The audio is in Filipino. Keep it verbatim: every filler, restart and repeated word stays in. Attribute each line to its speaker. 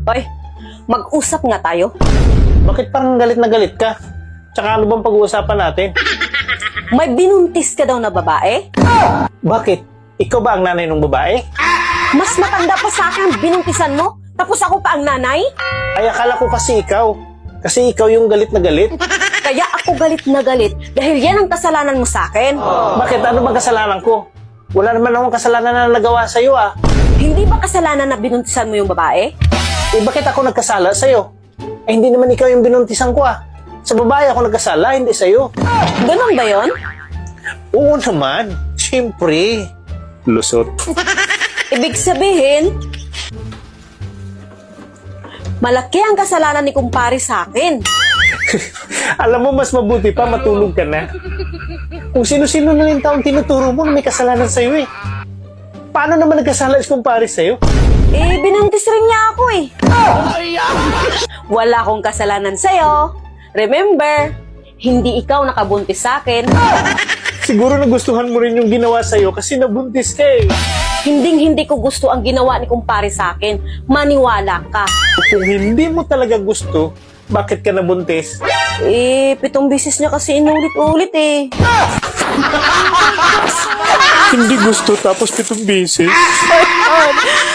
Speaker 1: Oy, mag-usap nga tayo.
Speaker 2: Bakit parang galit na galit ka? Tsaka ano bang pag-uusapan natin?
Speaker 1: May binuntis ka daw na babae?
Speaker 2: Bakit? Ikaw ba ang nanay ng babae?
Speaker 1: Mas matanda pa sa akin ang binuntisan mo, tapos ako pa ang nanay?
Speaker 2: Ay, akala ko kasi ikaw. Kasi ikaw yung galit na galit.
Speaker 1: Kaya ako galit na galit dahil yan ang kasalanan mo sa akin.
Speaker 2: Bakit? Ano bang kasalanan ko? Wala naman akong kasalanan na nagawa sa'yo ah.
Speaker 1: Hindi ba kasalanan na binuntisan mo yung babae?
Speaker 2: Eh, bakit ako nagkasala sa'yo? Eh, hindi naman ikaw yung binuntisan ko ah. Sa babae ako nagkasala, hindi sa'yo.
Speaker 1: Ganon ba yon?
Speaker 2: Oo naman. Siyempre. Lusot.
Speaker 1: Ibig sabihin, malaki ang kasalanan ni kumpare sa akin.
Speaker 2: Alam mo, mas mabuti pa matulog ka na. Kung sino-sino na yung taong tinuturo mo na may kasalanan sa'yo eh. Paano naman nagkasala si kumpare sa'yo?
Speaker 1: Eh, binuntis rin niya ako eh. Wala akong kasalanan sa'yo. Remember, hindi ikaw nakabuntis sa akin.
Speaker 2: Siguro nagustuhan mo rin yung ginawa sa'yo kasi nabuntis ka eh.
Speaker 1: Hinding-hindi ko gusto ang ginawa ni kumpare sa akin. Maniwala ka.
Speaker 2: Kung hindi mo talaga gusto, bakit ka nabuntis?
Speaker 1: Eh, pitong bisis niya kasi inulit-ulit eh.
Speaker 2: Hindi gusto tapos pitong beses.
Speaker 1: Oh,